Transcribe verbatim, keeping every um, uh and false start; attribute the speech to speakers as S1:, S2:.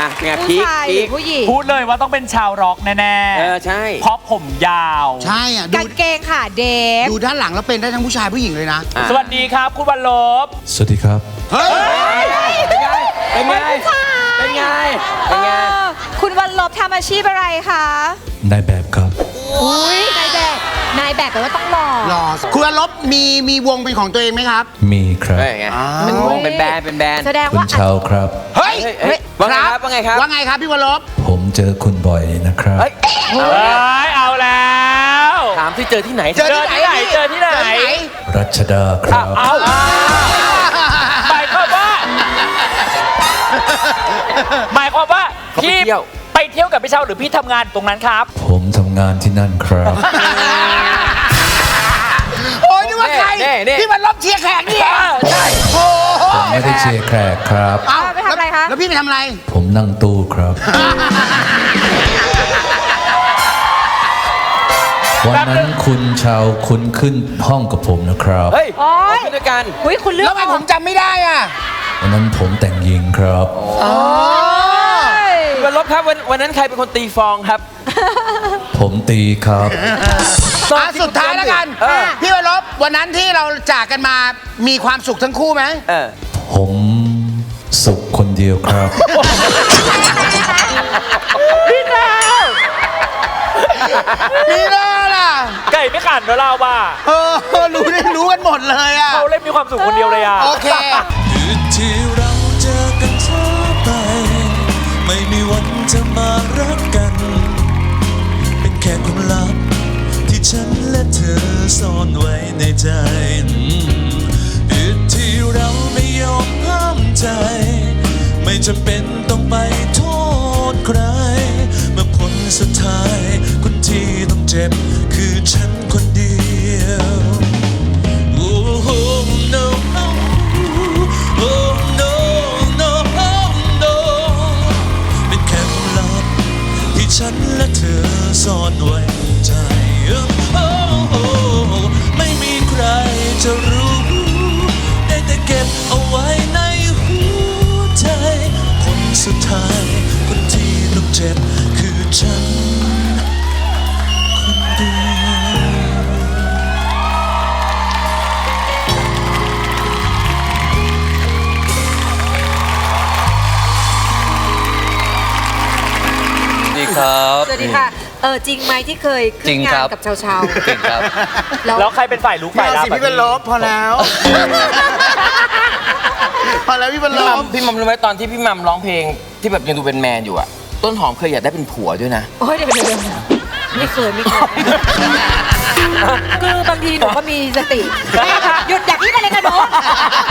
S1: ไง
S2: ผู้
S1: พีค
S2: ชายห
S1: พี
S2: รือ
S1: ค
S2: ผู้หญิง
S3: พูดเลยว่าต้องเป็นชาวร็อกแน่
S1: เออใช่
S3: เพราะผมยาว
S4: ใช่อ่ะดู
S2: กางเกงขาเดฟ
S4: ดูด้านหลังแล้วเป็นได้ทั้งผู้ชายผู้หญิงเลยนะ
S1: อ่ะ
S3: สวัสดีครับคุณวันลบ
S5: สวัสดีครับ
S4: เฮ้ย
S1: เป็นไงเป็นไงเป็นไงเป็นไง
S2: เออคุณวันลบทำอาชีพอะไรคะ
S5: นายแบบครับ
S2: อุ้ยนายแบบนายแบบแปลว่าต้องหล่อ
S4: หล่อคุณอลบมีมีวงเป็นของตัวเองไหมครับ
S5: มีครับ
S1: เฮ้ยไงเป็นวงเป็นแบรนด์เป็นแบรนด์
S2: แสดง
S5: คุณ
S2: ว่า
S5: เชาครับ
S4: เฮ้ย
S1: เฮ้ยเฮ้ยว่าไงครับว่าไงครับ
S4: ว่าไงครับพี่วรลบ
S5: ผมเจอคุณบ่อยนะครับ
S1: เฮ้ยเอา
S3: เอ้
S1: แล้ว
S3: ยเอาแล้ว
S1: ถามที่เจอที่ไหน
S4: เจอที่ไหน
S3: เจอที่ไหน
S4: เจอที่ไหน
S5: รัชดาครับ
S3: เอาหมายความว่าหมายความว่า
S1: เขาไป
S3: พี่
S1: เที่ยว
S3: ไปเที่ยวกับพี่เชาหรือพี่ทำงานตรงนั้นครับ
S5: ผมทำงานที่นั่นครับ
S4: โอ้ยนึกว่าใคร
S1: เน่เน่
S4: พี่วรลบเชียร์แขกนี่เอง
S3: ใช่
S4: โอ้โห
S5: ผมไม่ได้เชียร์แขกครับ
S4: เอ้า
S2: ไปทำอะไรคะ
S4: แล้วพี่ไปทำอะไร
S5: ผมนั่งตู้ครับ วันนั้นคุณเชาคุณขึ้นห้องกับผมนะครับ
S1: เฮ้ย
S2: โอ๊ย
S1: เอาขึ้นด้วยกัน
S2: อุ้ยคุณเลือก
S4: แล้วทำไมผมจำไม่ได้อ่ะ
S5: วันนั้นผมแต่งหญิงครับ
S4: อ๋อ
S1: วันลบครับวันวันนั้นใครเป็นคนตีฟองครับ
S5: ผมตีครับ
S4: อ่ะสุดท้ายแล้วกัน
S1: เออ
S4: พี่วรลบวันนั้นที่เราจากกันมามีความสุขทั้งคู่ไหม
S1: เออ
S5: ผมสุขคนเดียวครับ
S4: มีเล่ล่ะ
S3: ไก่ไม่ขันเนอะเราบ้า
S4: เออรู้ได้รู้กันหมดเลยอ่ะ
S3: เขาเล่นมีความสุขคนเดียวเลยอ่ะ
S4: โอเค
S6: คืนที่เราเจอกันเธอไป ไม่มีวันจะมารักกัน เป็นแค่ความลับที่ฉันและเธอซ่อนไว้ในใจคืนที่เราไม่ยอมห้ามใจ ไม่จำเป็นต้องไปโทษใคร เมื่อผลสุดท้ายคนที่ต้องเจ็บคือฉันคนเดียว Oh no Oh no no no เป็นแค่ความลับที่ฉันและเธอซ่อนไว้ในใจ Ohไม่มีใครจะรู้ได้แต่เก็บเอาไว้ในหัวใจคนสุดท้ายคนที่ต้องเจ็บคือฉันคนเดียว
S1: ดีครับ
S2: สวัสดีค่ะ เออจริงไหมที่เคยขึ้
S1: จริ
S2: น
S1: ง
S2: งา
S1: ครั
S2: น
S1: บ
S2: กับชาวชาว
S1: จริงครับ
S2: แล้ว
S3: แล้วใครเป็นฝ่ายลุก
S4: ไม่
S3: ฝ่าย
S4: เอา
S3: รับ
S4: สิพี่วรลบพอแล้ว พอแล้วพี่วรล
S1: พี่มัม
S4: บ
S1: พี่มัมรู้ไหมตอนที่พี่มัมร้องเพลงที่แบบยังดูเป็นแมนอยู่อะต้นหอมเคยอยากได้เป็นผัวด้วยนะ
S2: โอ้ยเดี๋ยวเดี๋ยวเดี๋ยวไม่เคยไม่เคยคือบางทีหนูก็มีสติหยุดอย่าคิดอะไรกันหนู